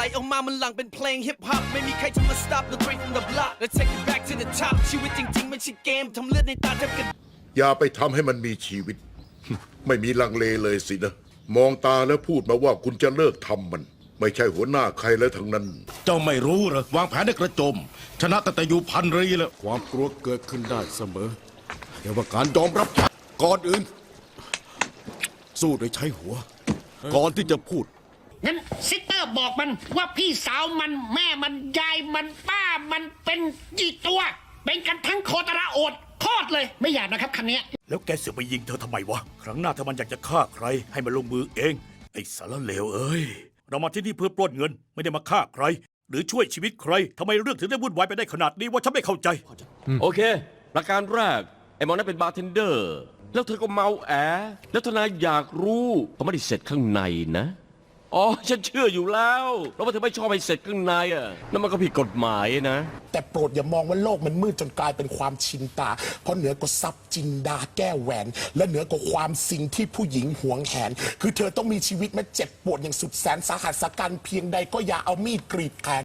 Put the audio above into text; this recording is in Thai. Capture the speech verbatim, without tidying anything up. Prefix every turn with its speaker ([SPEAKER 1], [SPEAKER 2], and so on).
[SPEAKER 1] ออกมามันหลังเป็นเพลงฮิปฮอปไม่มีใครจะมา stop the train from the block let's take it back to the top ชีวิตจริงๆไม่ใช่เกมทำเลือดในตาแทบกัน
[SPEAKER 2] อย่าไปทำให้มันมีชีวิต ไม่มีลังเลเลยสินะมองตาแล้วพูดมาว่าคุณจะเลิกทำมัน ไม่ใช่หัวหน้าใครแล้วทั้งนั้น
[SPEAKER 3] เจ้าไม่รู้เหรอวางแผนให้กระโจมชนะตั้งแต่อยู่พันรีแล้ว
[SPEAKER 4] ความกลัวเกิดขึ้นได้เสมอแต่ว่าการยอมรับก่อนอื่น สู้โดยใช้หัว ก่อนที่จะพูด
[SPEAKER 5] งั้นซิสเตอร์บอกมันว่าพี่สาวมันแม่มันยายมันป้ามันเป็นกี่ตัว เป็นกันทั้งโคตรโอดโคตรเลยไม่อยากนะครับคันนี้
[SPEAKER 6] แล้วแกเสือกไปยิงเธอทำไมวะครั้งหน้าถ้ามันอยากจะฆ่าใครให้มันลงมือเองไอ้สารเลวเอ้ยเรามาที่นี่เพื่อปล้นเงินไม่ได้มาฆ่าใครหรือช่วยชีวิตใครทำไมเรื่องถึงได้วุ่นวายไปได้ขนาดนี้ว่าฉันไม่เข้าใจ
[SPEAKER 7] โอเคประการแรกไอ้หมอนั่นเป็นบาร์เทนเดอร์แล้วเธอก็เมาแอแล้วทนายอยากรู้เขาไม่ได้เสร็จข้างในนะอ๋อฉันเชื่ออยู่แล้วเพราะว่าเธอไม่ชอบให้เสร็จข้างในอ่ะนั่นมันก็ผิดกฎหมายนะ
[SPEAKER 8] แต่โปรดอย่ามองว่าโลกมันมืดจนกลายเป็นความชินตาเพราะเหนือกว่าทรัพย์จินดาแก้วแหวนและเหนือกว่าความสิ่งที่ผู้หญิงหวงแหนคือเธอต้องมีชีวิตมาเจ็บปวดอย่างสุดแสนสาหัสสากันเพียงใดก็อย่าเอามีดกรีดแขน